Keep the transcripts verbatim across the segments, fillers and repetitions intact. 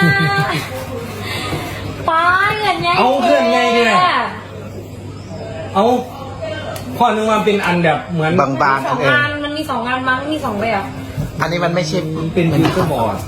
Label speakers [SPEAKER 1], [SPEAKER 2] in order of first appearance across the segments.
[SPEAKER 1] ป้าเงินไง
[SPEAKER 2] เอาเพื่อนไงเนี่ยเอาพ่อนึกว่าเป็นอันแบบเหมือน
[SPEAKER 3] บางๆ
[SPEAKER 1] ส
[SPEAKER 3] อั
[SPEAKER 1] อน ง
[SPEAKER 3] เอง
[SPEAKER 1] งานมันมีสองงานมั้งมีสองแบบ
[SPEAKER 3] อันนี้มันไม่ใช่
[SPEAKER 2] มันเป็นฟิวเจอร์บอร์ด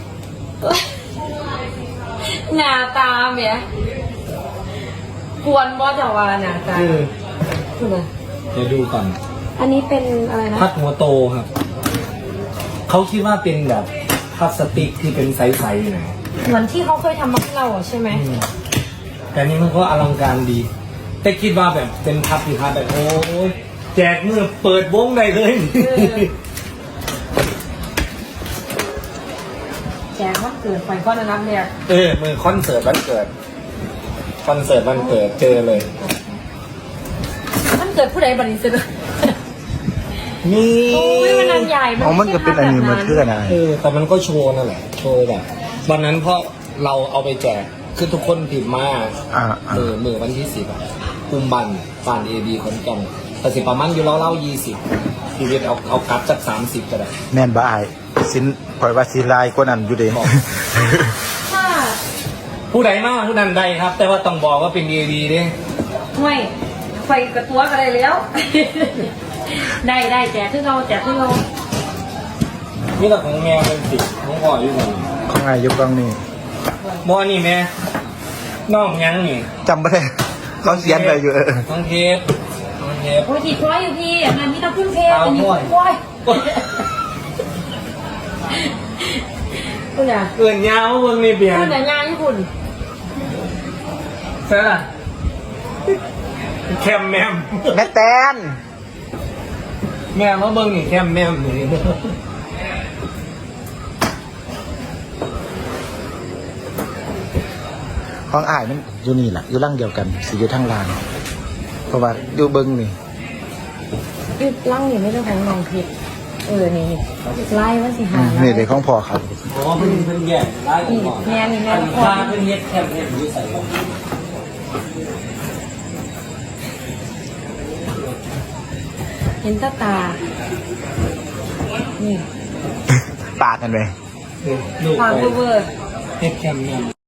[SPEAKER 1] หน้าตาเมียกวนบอสจะว่าหน้าตา
[SPEAKER 2] คือ
[SPEAKER 1] คืออะไร
[SPEAKER 2] เดี๋ยวดูก่อน
[SPEAKER 1] อันนี้เป็นอะไรนะ
[SPEAKER 2] พัดหัวโตครับเขาคิดว่าเป็นแบบพลาสติกที่เป็นใสๆหน่อย
[SPEAKER 1] เหมือนที่เขาเคยทำมาให้เราอะใช่ไหม
[SPEAKER 2] อืมแต่นี่มันก็อลังการดี แต่คิดว่าแบบเป็นพัดที่พัดแบบโอ้ยแจกมือเปิดวงได้เลย
[SPEAKER 1] แจกวันเกิดไฟก้อนนับเนี่ย
[SPEAKER 2] เออมือคอนเสิร์ตวันเกิดคอนเสิร์ตวันเกิดเจอเลย
[SPEAKER 1] มันเกิดผู้ใดบันนี้สุด
[SPEAKER 2] นี่
[SPEAKER 1] โอ้ยมันอันใหญ่
[SPEAKER 3] อ๋อมันก็เป็นอันนี้มันคืออะไร
[SPEAKER 2] เออแต่มันก็โชว์นั่นแหละโชว์แบบวันนั้นเพราะเราเอาไปแจกคือทุกคนผิดมา
[SPEAKER 3] อ่าอ่า
[SPEAKER 2] มือมือวันที่สิบอะกุมบันฟานเอบีขอนแก่นแต่สิประมาณอยู่เล่าเล่ายี่สิบชีวิตเอาเอากลับจากสามสิบก็ได้
[SPEAKER 3] แม่นบ่อายสินปล่อยว่าสิลายกว่านั้นอยู่เด้
[SPEAKER 2] บอก
[SPEAKER 1] ถ้า
[SPEAKER 2] ผู้ใดมากผู้นั้นใดครับ แต่ว่าต้องบอกว่าเป็นเอบีด้วย
[SPEAKER 1] ห่วยไฟกระตัวกันเลยแล้ว ได้ได้แจกขึ้นเราแจกขึ้นเรา
[SPEAKER 2] นี่แต่ของแม่เป็นสิของพ่ออยู่ไหน
[SPEAKER 3] ของอายอยู่กองนี้
[SPEAKER 2] บอนี่แม่น้องยังนี่
[SPEAKER 3] จำไม่ได้เขาเขียนไปอยู่เออ
[SPEAKER 2] น้องเทปน้องเทป
[SPEAKER 1] โอ้ยถีบพลอยอยู่พี่อันนั้นนี่ต้องขึ้นเพลง
[SPEAKER 2] เอา
[SPEAKER 1] อันนี้
[SPEAKER 2] ห่วย
[SPEAKER 1] พลอยคุณอ่ะ
[SPEAKER 2] เกินยาวเบิ่งนี่เบียร์
[SPEAKER 1] คุณอ่ะงานญี่ปุ่น
[SPEAKER 2] ใช่ล่ะแคมแมม
[SPEAKER 3] แม่แตน
[SPEAKER 2] แม่เขาเบิ่งนี่แคมแมมนี่
[SPEAKER 3] ของอายมันอยู่นี่แหละอยู่ร่างเดียวกันสิอยู่ทางล่างเพราะว่าอยู่เบิ้งนี่
[SPEAKER 1] ยึดล่างนี่ไม่ใช่ของน้องผิดเออนี่ไล่ว่าสิหา
[SPEAKER 3] นี่เด็กของพ่อครับ
[SPEAKER 2] อ๋อเพิ่นเพิ่นแย่ได้ก่
[SPEAKER 1] นี่
[SPEAKER 2] อน
[SPEAKER 1] แม่นี่แม่
[SPEAKER 2] อัน
[SPEAKER 1] พอ
[SPEAKER 2] ฟ้าเพิ่นเฮ็ดแคมแมมอยู่ใส่บ่
[SPEAKER 1] เห็นตาตา นี่
[SPEAKER 3] ปากกันไป
[SPEAKER 2] ลูก
[SPEAKER 1] ความ
[SPEAKER 2] ไป
[SPEAKER 1] เวอร์
[SPEAKER 2] เฮ็ดแคมแมม